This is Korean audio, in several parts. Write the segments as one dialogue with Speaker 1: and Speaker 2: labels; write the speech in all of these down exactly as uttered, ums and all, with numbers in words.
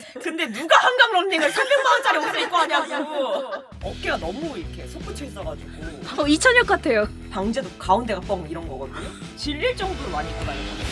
Speaker 1: 근데 누가 한강 런닝을 삼백만 원짜리 옷을 입고 하냐고. 어깨가 너무 이렇게 솟구쳐 있어가지고
Speaker 2: 어, 이찬혁 같아요.
Speaker 1: 방제도 가운데가 뻥 이런 거거든요. 질릴 정도로 많이 입고 다니거든요.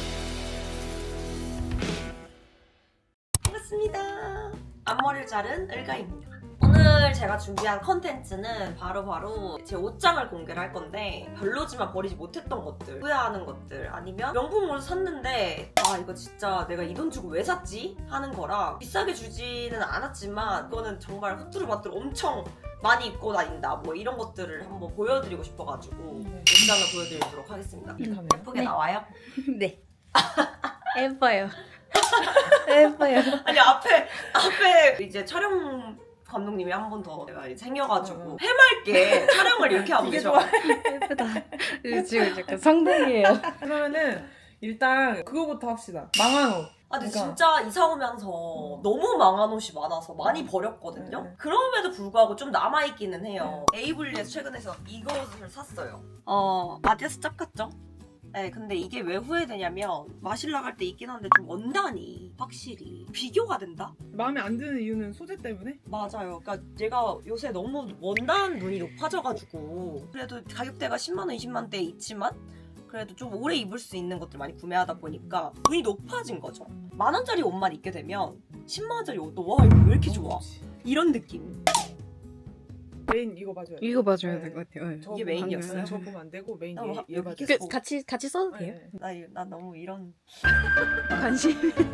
Speaker 1: 반갑습니다. 앞머리를 자른 을가입니다. 오늘 제가 준비한 컨텐츠는 바로바로 제 옷장을 공개를 할 건데 별로지만 버리지 못했던 것들, 후회하는 것들, 아니면 명품을 샀는데 아 이거 진짜 내가 이 돈 주고 왜 샀지? 하는 거랑 비싸게 주지는 않았지만 이거는 정말 후뚜루마뚜루 엄청 많이 입고 다닌다 뭐 이런 것들을 한번 보여드리고 싶어가지고
Speaker 3: 네.
Speaker 1: 옷장을 보여드리도록 하겠습니다.
Speaker 2: 음.
Speaker 1: 예쁘게
Speaker 2: 네.
Speaker 1: 나와요?
Speaker 2: 네. 예뻐요. 예뻐요.
Speaker 1: 아니 앞에 앞에 이제 촬영 감독님이 한 번 더 내가 생겨가지고 해맑게 촬영을 이렇게 하고
Speaker 3: 되게
Speaker 1: 계셔.
Speaker 3: 좋아.
Speaker 2: 예쁘다. 이거 지금 약간 성공이에요.
Speaker 3: 그러면은 일단 그거부터 합시다. 망한 옷.
Speaker 1: 아 근데
Speaker 3: 그러니까.
Speaker 1: 진짜 이사 오면서 너무 망한 옷이 많아서 많이 버렸거든요.
Speaker 3: 네.
Speaker 1: 그럼에도 불구하고 좀 남아있기는 해요. 에이블리에서 최근에서 이거 옷을 샀어요. 어 아디다스 짭 같죠? 네, 근데 이게 왜 후회되냐면 마실 나갈 때 있긴 한데 좀 원단이 확실히 비교가 된다?
Speaker 3: 마음에 안 드는 이유는 소재 때문에?
Speaker 1: 맞아요. 그러니까 제가 요새 너무 원단 눈이 높아져가지고 그래도 가격대가 십만 원, 이십만 원대에 있지만 그래도 좀 오래 입을 수 있는 것들 많이 구매하다 보니까 눈이 높아진 거죠. 만 원짜리 옷만 입게 되면 십만 원짜리 옷도 와 이거 왜 이렇게 좋아? 이런 느낌.
Speaker 3: 메인 이거 봐줘야 돼.
Speaker 2: 이거 봐줘야
Speaker 3: 네.
Speaker 2: 될 것 같아요. 네.
Speaker 3: 저
Speaker 1: 이게
Speaker 3: 보면
Speaker 1: 메인이었어요?
Speaker 3: 안 돼. 저 보면 안 되고 메인
Speaker 1: 어,
Speaker 3: 얘,
Speaker 1: 여기
Speaker 3: 얘 봐줘.
Speaker 1: 이렇게
Speaker 2: 그, 같이 같이 써도 돼요?
Speaker 3: 네.
Speaker 1: 나, 이- 나 너무 이런
Speaker 2: 관심.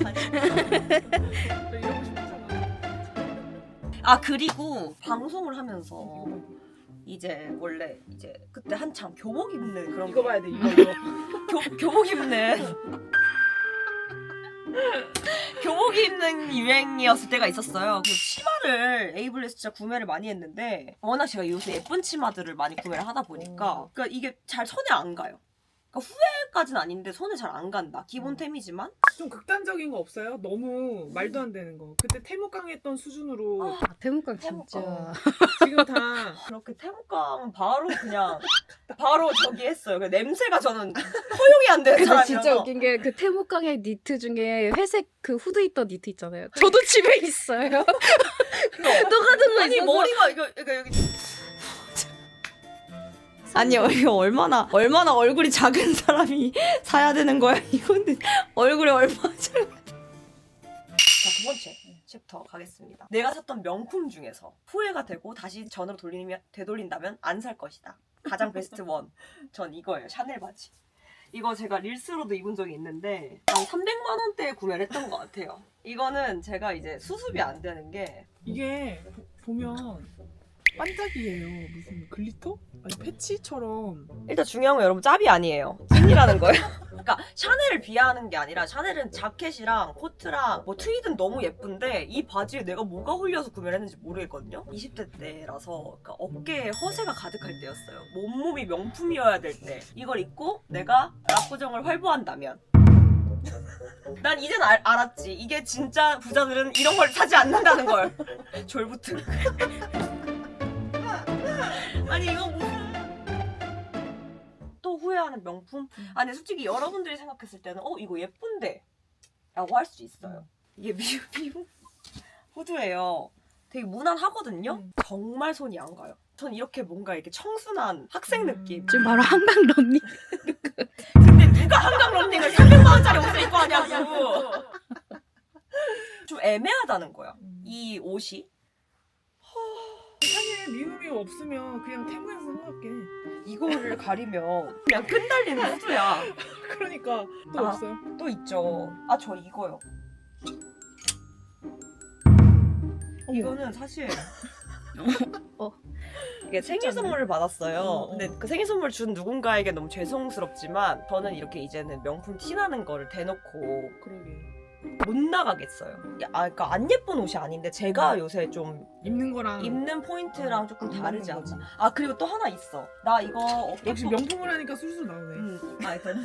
Speaker 3: 저 이러고 싶잖아.
Speaker 1: 아 그리고 방송을 하면서
Speaker 3: 이거 봐.
Speaker 1: 이제 원래 이제 그때 한창 교복 입는 그런
Speaker 3: 이거
Speaker 1: 게-
Speaker 3: 봐야 돼. 이거 이거.
Speaker 1: 교, 교복 입는 교복 입는 유행이었을 때가 있었어요. 그 치마를 에이블에서 진짜 구매를 많이 했는데 워낙 제가 요새 예쁜 치마들을 많이 구매를 하다 보니까 그러니까 이게 잘 손에 안 가요. 그러니까 후회까지는 아닌데 손에 잘 안 간다. 기본템이지만
Speaker 3: 좀 극단적인 거 없어요? 너무 말도 안 되는 거. 그때 태무강 했던 수준으로
Speaker 1: 아,
Speaker 2: 아, 태국강 진짜.
Speaker 1: 태국강.
Speaker 3: 지금 다
Speaker 1: 그렇게 태국감 바로 그냥 바로 저기 했어요. 그 냄새가 저는 허용이 안 되는
Speaker 2: 근데
Speaker 1: 사람이라서
Speaker 2: 진짜 웃긴 게 그 태국강의 니트 중에 회색 그 후드 있던 니트 있잖아요. 저도 집에 있어요. 똑같은 거
Speaker 1: 아니
Speaker 2: 있어서.
Speaker 1: 머리가 이거 이거 여기 아니 이거 얼마나 얼마나 얼굴이 작은 사람이 사야 되는 거야 이거는 얼굴이 얼마나 작은 자두 번째 챕터 가겠습니다. 내가 샀던 명품 중에서 후회가 되고 다시 전으로 돌리면 되돌린다면 안 살 것이다. 가장 베스트 원 전 이거예요. 샤넬 바지. 이거 제가 릴스로도 입은 적이 있는데 한 삼백만 원대에 구매를 했던 것 같아요. 이거는 제가 이제 수습이 안 되는 게
Speaker 3: 이게 보면 반짝이에요. 무슨 글리터? 아니 패치처럼.
Speaker 1: 일단 중요한 건 여러분 짭이 아니에요. 찐이라는 거예요. 그러니까 샤넬을 비하하는 게 아니라 샤넬은 자켓이랑 코트랑 뭐 트윗은 너무 예쁜데 이 바지에 내가 뭐가 홀려서 구매를 했는지 모르겠거든요. 이십 대 때라서 그러니까 어깨에 허세가 가득할 때였어요. 몸몸이 명품이어야 될 때 이걸 입고 내가 압구정을 활보한다면 난 이젠 알, 알았지. 이게 진짜 부자들은 이런 걸 사지 않는다는 걸. 졸부트. 아니 이거 무슨 또 후회하는 명품? 아니 솔직히 여러분들이 생각했을 때는 어 이거 예쁜데 라고 할 수 있어요. 이게 미우 미우 후드예요. 되게 무난하거든요.
Speaker 3: 음.
Speaker 1: 정말 손이 안 가요. 전 이렇게 뭔가 이렇게 청순한 학생
Speaker 3: 음.
Speaker 1: 느낌.
Speaker 2: 지금 바로 한강 런닝.
Speaker 1: 근데 누가 한강 런닝을 삼백만 원짜리 옷을 입고 하냐고. 좀 애매하다는 거야.
Speaker 3: 음.
Speaker 1: 이 옷이.
Speaker 3: 사실 미움이 없으면 그냥 태무에서 생각해.
Speaker 1: 이거를 가리면 그냥 끈달리는 후드야.
Speaker 3: 그러니까 또
Speaker 1: 아.
Speaker 3: 없어요?
Speaker 1: 또 있죠. 아 저 이거요.
Speaker 3: 어머.
Speaker 1: 이거는 사실
Speaker 2: 어.
Speaker 1: 이게 생일 선물을 받았어요.
Speaker 3: 어, 어.
Speaker 1: 근데 그 생일 선물 준 누군가에게 너무 죄송스럽지만 저는 이렇게 이제는 명품 티나는 거를 대놓고
Speaker 3: 그러게.
Speaker 1: 못 나가겠어요. 아, 그러니까 안 예쁜 옷이 아닌데 제가 요새 좀
Speaker 3: 입는 거랑
Speaker 1: 입는 포인트랑 조금
Speaker 3: 입는
Speaker 1: 다르지
Speaker 3: 거지.
Speaker 1: 않나. 아 그리고 또 하나 있어. 나 이거 어깨
Speaker 3: 역시 명품을 하니까 술술 나오네.
Speaker 1: 음, 아, 일단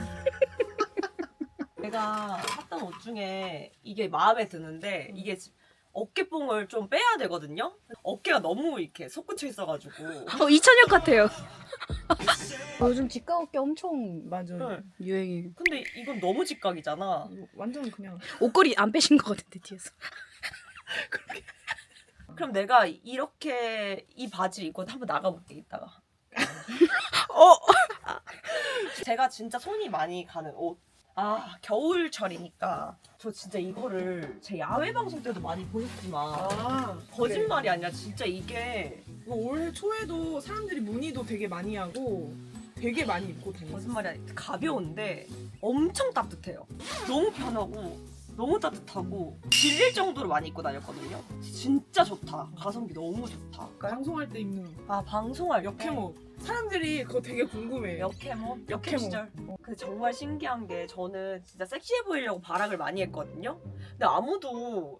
Speaker 1: 내가 샀던 옷 중에 이게 마음에 드는데 이게 어깨뽕을 좀 빼야 되거든요. 어깨가 너무 이렇게 솟구쳐 있어가지고.
Speaker 2: 어, 이찬혁 같아요. 요즘 직각 어깨 엄청
Speaker 3: 맞아.
Speaker 1: 네.
Speaker 2: 유행이에요.
Speaker 1: 근데 이건 너무 직각이잖아.
Speaker 3: 이거 완전 그냥
Speaker 2: 옷걸이 안 빼신 것 같은데 뒤에서.
Speaker 3: 그렇게.
Speaker 1: 그럼 내가 이렇게 이 바지를 입고 한번 나가볼게 이따가.
Speaker 3: 어.
Speaker 1: 제가 진짜 손이 많이 가는 옷. 아 겨울철이니까 저 진짜 이거를 제 야외 방송 때도 많이 보셨지만
Speaker 3: 아
Speaker 1: 거짓말이 아니라 진짜 이게
Speaker 3: 이거 올해 초에도 사람들이 문의도 되게 많이 하고 되게 많이 입고 다녔어.
Speaker 1: 거짓말이 아니라 가벼운데 엄청 따뜻해요. 너무 편하고 너무 따뜻하고 질릴 정도로 많이 입고 다녔거든요. 진짜 좋다. 가성비 너무 좋다.
Speaker 3: 방송할 때 입는
Speaker 1: 아 방송할 때
Speaker 3: 역해모. 사람들이 그거 되게 궁금해.
Speaker 1: 역해모? 역해
Speaker 3: 역해모.
Speaker 1: 시절. 근데 정말 신기한 게 저는 진짜 섹시해 보이려고 발악을 많이 했거든요. 근데 아무도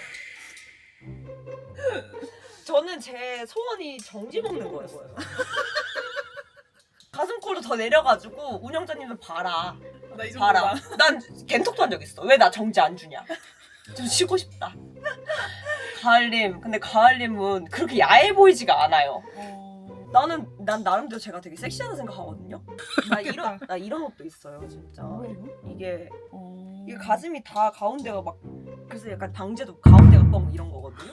Speaker 1: 저는 제 소원이 정지 먹는 거였어요. 가슴골로 더 내려가지고 운영자님도 봐라.
Speaker 3: 나이 정도
Speaker 1: 봐라. 난 겐톡도 한 적 있어. 왜 나 정지 안 주냐. 좀 쉬고 싶다. 가을님. 근데 가을님은 그렇게 야해 보이지가 않아요.
Speaker 3: 어...
Speaker 1: 나는 난 나름대로 제가 되게 섹시하다 생각하거든요. 나
Speaker 3: 그렇겠다.
Speaker 1: 이런 나 이런 옷도 있어요, 진짜.
Speaker 3: 뭐야 이거?
Speaker 1: 이게
Speaker 3: 어...
Speaker 1: 이게 가슴이 다 가운데가 막 그래서 약간 방제도 가운데가 뻥 이런 거거든요.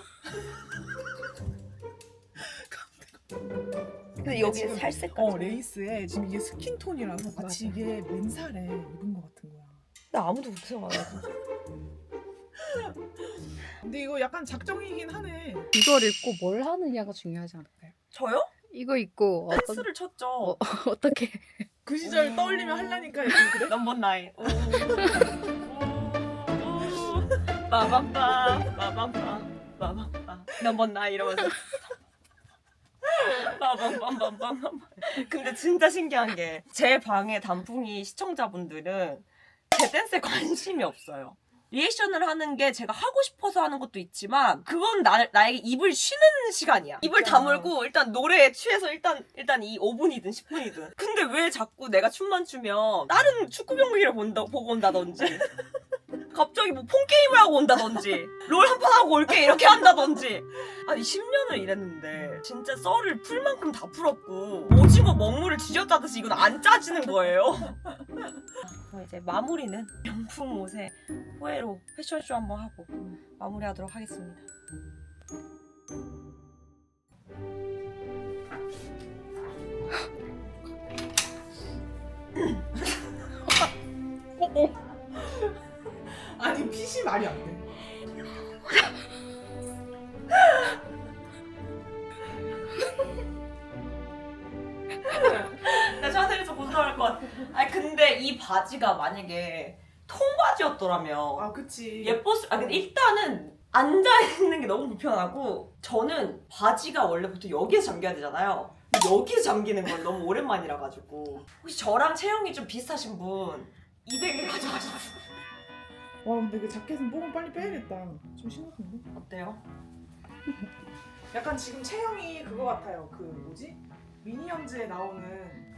Speaker 1: 근데 여기에
Speaker 3: 지금-
Speaker 1: 살색까지.
Speaker 3: 어 레이스에 지금 이게 스킨톤이라서 마치 이게 맨살에 입은 것 같은 거야.
Speaker 1: 근데 아무도 그렇게 생각 안 하지.
Speaker 3: 근데 이거 약간 작정이긴 하네.
Speaker 2: 이걸 입고 뭘 하느냐가 중요하지 않을까요?
Speaker 1: 저요?
Speaker 2: 이거 입고 어떤
Speaker 1: 댄스를 쳤죠.
Speaker 2: 어, 어떻게
Speaker 3: 그 시절
Speaker 1: 음.
Speaker 3: 떠올리면 하려니까 약간 그래.
Speaker 1: 넘버 나인. 빠밤빰 빠밤빰 빠밤빰 넘버 나인 이러면서 빠밤빰빰빰빰. 근데 진짜 신기한 게 제 방의 단풍이 시청자분들은 제 댄스에 관심이 없어요. 리액션을 하는 게 제가 하고 싶어서 하는 것도 있지만 그건 나, 나에게 입을 쉬는 시간이야. 입을
Speaker 3: 진짜.
Speaker 1: 다물고 일단 노래에 취해서 일단 일단 이 오 분이든 십 분이든. 근데 왜 자꾸 내가 춤만 추면 다른 축구 경기를 본다, 보고 온다든지 갑자기 뭐 폰게임을 하고 온다든지 롤 한 판 하고 올게 이렇게 한다든지. 아니 십 년을 일했는데 진짜 썰을 풀 만큼 다 풀었고 오징어 먹물을 쥐어짜듯이 이건 안 짜지는 거예요. 그럼 이제 마무리는 명품 옷에 후회로 패션쇼 한번 하고 마무리하도록 하겠습니다.
Speaker 3: 어, 어. 아니 핏이 말이 안 돼.
Speaker 1: 나 자세에서 고소할 것 같아. 아니 근데 이 바지가 만약에 통바지였더라면
Speaker 3: 아 그치.
Speaker 1: 예뻤을. 아 근데 일단은 앉아 있는 게 너무 불편하고 저는 바지가 원래 보통 여기에서 잠겨야 되잖아요. 근데 여기에서 잠기는 건 너무 오랜만이라 가지고 혹시 저랑 체형이 좀 비슷하신 분 이백 일 가져가셨어요?
Speaker 3: 와 근데 그 자켓은 뽕을 빨리 빼야겠다. 좀 심각한데?
Speaker 1: 어때요?
Speaker 3: 약간 지금 체형이 그거 같아요. 그 뭐지? 미니언즈에 나오는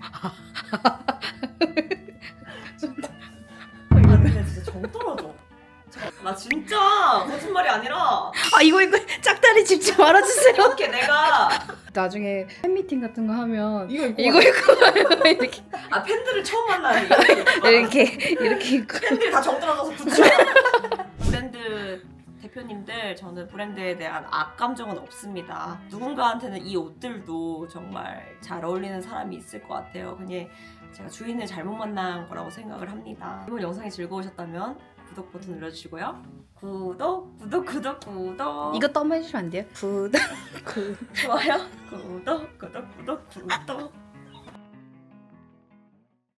Speaker 1: 아 근데 진짜 정 떨어져. 잠깐, 나 진짜 거짓말이 아니라
Speaker 2: 아 이거 이거 짝다리 짚지 말아주세요.
Speaker 1: 이렇게 내가
Speaker 2: 나중에 팬미팅 같은 거 하면
Speaker 3: 이거 입고
Speaker 2: 이거 입고 가면 이렇게
Speaker 1: 아 팬들을 처음 만나는 이거
Speaker 2: 이렇게 이렇게 입고
Speaker 1: 팬들이 다 정떨어져서 붙여. 브랜드 대표님들 저는 브랜드에 대한 악감정은 없습니다. 누군가한테는 이 옷들도 정말 잘 어울리는 사람이 있을 것 같아요. 그냥 제가 주인을 잘못 만난 거라고 생각을 합니다. 이번 영상이 즐거우셨다면 구독 버튼 눌러주시고요. 구독 구독 구독 구독
Speaker 2: 이것도 한번 해주시면 안 돼요? 구독 구
Speaker 1: 좋아요 구독 구독 구독 구독